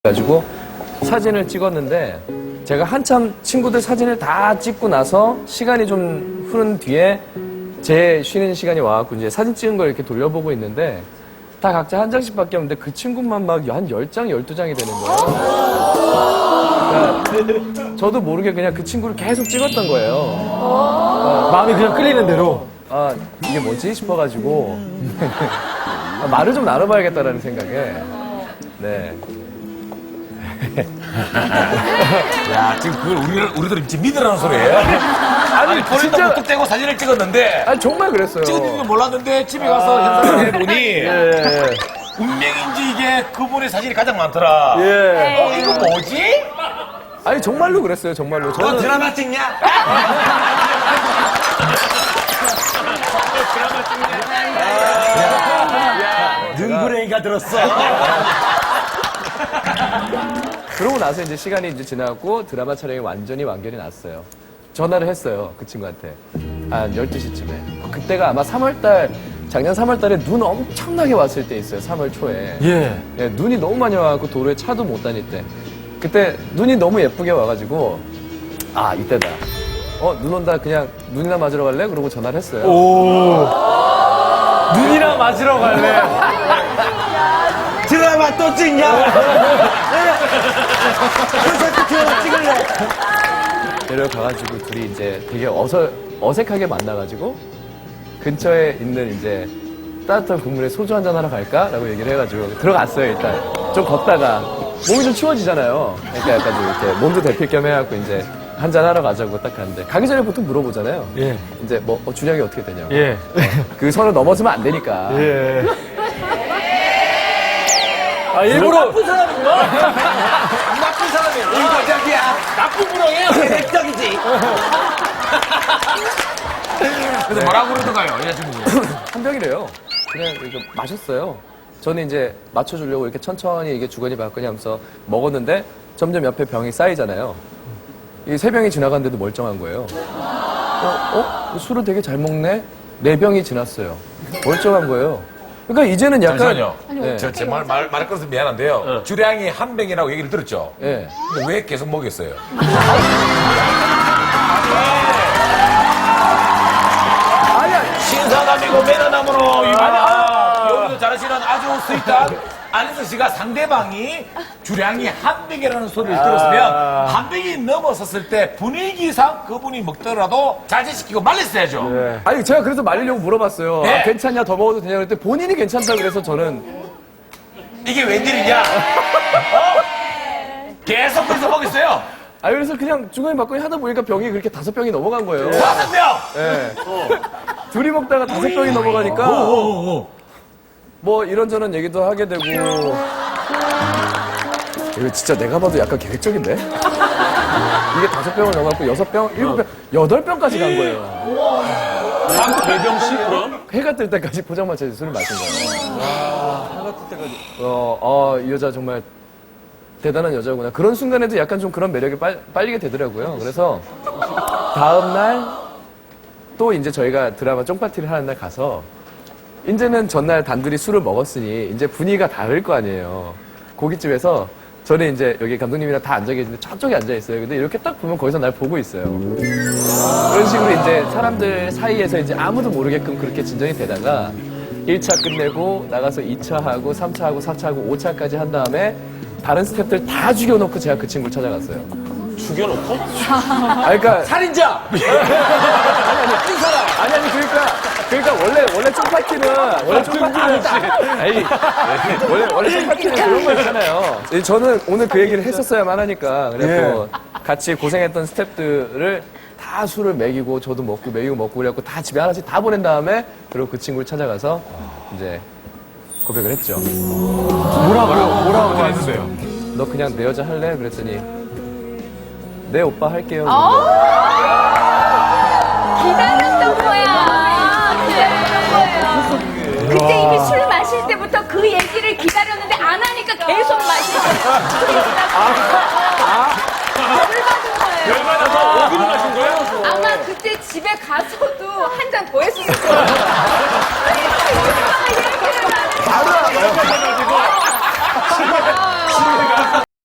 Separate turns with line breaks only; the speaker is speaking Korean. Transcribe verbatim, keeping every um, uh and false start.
가지고 사진을 찍었는데 제가 한참 친구들 사진을 다 찍고 나서 시간이 좀 흐른 뒤에 제 쉬는 시간이 와갖고 이제 사진 찍은 걸 이렇게 돌려보고 있는데 다 각자 한 장씩밖에 없는데 그 친구만 막 한 열 장, 열두 장이 되는 거예요. 그러니까 저도 모르게 그냥 그 친구를 계속 찍었던 거예요. 어,
마음이 그냥 끌리는 대로.
아, 이게 뭐지 싶어가지고 아, 말을 좀 나눠봐야겠다라는 생각에 네.
야, 지금 그걸 우리를, 우리들 지금 믿으라는 소리예요? 아니, 본인도
진짜-
무뚝 떼고 사진을 찍었는데,
아니 정말 그랬어요.
찍은 줄 몰랐는데, 집에 가서 현상을 해보니,
예.
운명인지 이게 그분의 사진이 가장 많더라.
예.
어, 이거 뭐지?
아니 정말로 그랬어요. 정말로.
너
저는
드라마 찍냐?
능구랭이가 들었어.
그러고 나서 이제 시간이 이제 지나고 드라마 촬영이 완전히 완결이 났어요. 전화를 했어요. 그 친구한테. 한 열두 시쯤에. 그때가 아마 삼월달, 작년 삼월달에 눈 엄청나게 왔을 때 있어요. 삼월 초에.
예.
예, 눈이 너무 많이 와갖고 도로에 차도 못 다닐 때. 그때 눈이 너무 예쁘게 와가지고, 아, 이때다. 어, 눈 온다. 그냥 눈이나 맞으러 갈래? 그러고 전화를 했어요.
오. 눈이나 맞으러 갈래.
드라마 또 찍냐?
콘서트 드라마 찍을래.
데려가가지고 둘이 이제 되게 어서, 어색하게 만나가지고 근처에 있는 이제 따뜻한 국물에 소주 한잔 하러 갈까? 라고 얘기를 해가지고 들어갔어요, 일단. 좀 걷다가 몸이 좀 추워지잖아요. 그러니까 약간 좀 이렇게 몸도 데필 겸 해갖고 이제 한잔 하러 가자고 딱 갔는데 가기 전에 보통 물어보잖아요.
예.
이제 뭐, 어, 주량이 어떻게 되냐고.
예.
그 선을 넘어서면 안 되니까.
예. 아, 일부러. 나쁜 사람이구나. 나쁜 사람이야.
이거 저기야.
나쁜 구렁이에요.
계획적이지. 근데 뭐라고 그러던가요, 여자친구분?
한 병이래요. 그냥 이렇게 마셨어요. 저는 이제 맞춰주려고 이렇게 천천히 이게 주거니 받거니 하면서 먹었는데 점점 옆에 병이 쌓이잖아요. 이 세 병이 지나갔는데도 멀쩡한 거예요. 어? 어? 술을 되게 잘 먹네? 네 병이 지났어요. 멀쩡한 거예요. 그러니까 이제는 약간.
잠시만요.
네.
저, 제 말, 말, 말을 끊어서 미안한데요. 주량이 한 병이라고 얘기를 들었죠?
예.
근데 왜 계속 먹였어요?
아니야.
신사남이고 매너남으로 유명한 여기도 잘하시는 아주 스윗한 안혜선 씨가 상대방이 주량이 한 병이라는 소리를 들었으면 한 병이 넘어섰을 때 분위기상 그분이 먹더라도 자제시키고 말렸어야죠.
아니, 제가 그래서 말리려고 물어봤어요.
네.
아, 괜찮냐? 더 먹어도 되냐? 그랬더니 본인이 괜찮다 그래서 저는.
이게 웬일이냐? 어? 계속 그래서 먹였어요.
아, 그래서 그냥 주거니 받거니 하다 보니까 병이 그렇게 다섯 병이 넘어간 거예요.
다섯 명!
예. 둘이 먹다가 다섯 병이 넘어가니까 뭐 이런저런 얘기도 하게 되고. 이거 진짜 내가 봐도 약간 계획적인데? 이게 다섯 병을 넘어갔고 여섯 병, 일곱 병, 여덟 병까지 간 거예요.
네 병씩 그럼?
해가 뜰 때까지 포장마차에서 술을 마신 거예요. 해가 뜰 때까지. 어, 어, 이 여자 정말 대단한 여자구나. 그런 순간에도 약간 좀 그런 매력이 빨, 빨리게 되더라고요. 그래서 다음날 또 이제 저희가 드라마 쫑파티를 하는 날 가서 이제는 전날 단둘이 술을 먹었으니 이제 분위기가 다를 거 아니에요. 고깃집에서 저는 이제 여기 감독님이랑 다 앉아 계시는데 저쪽에 앉아 있어요. 근데 이렇게 딱 보면 거기서 날 보고 있어요. 그런 식으로 이제 사람들 사이에서 이제 아무도 모르게끔 그렇게 진전이 되다가 일 차 끝내고 나가서 이 차 하고 삼 차 하고 사 차 하고 오 차까지 한 다음에 다른 스태프들 다 죽여놓고 제가 그 친구를 찾아갔어요.
죽여놓고?
아, 그러니까
살인자!
아니 아니 그러니까 그러니까 원래 원래 쫑파티는 원래 쫑파티는 아니 원래 원래 쫑파티는 그런 거 있잖아요. 저는 오늘 그 얘기를 했었어야만 하니까 그래서 같이 고생했던 스태프들을 다 술을 먹이고 저도 먹고 먹이고 먹고 그래갖고 다 집에 하나씩 다 보낸 다음에 그리고 그 친구를 찾아가서 이제 고백을 했죠.
뭐라고, 뭐라고 했는데요?
너 그냥 내 여자 할래? 그랬더니 네 오빠 할게요.
기다렸던 거야. 기다렸던 거예요. 그때 이미 술 마실 때부터 그 얘기를 기다렸는데 안 하니까 계속 마시고 술 받은 거예요.
열받아서 어디로 가신 거예요?
아마 그때 집에 가서도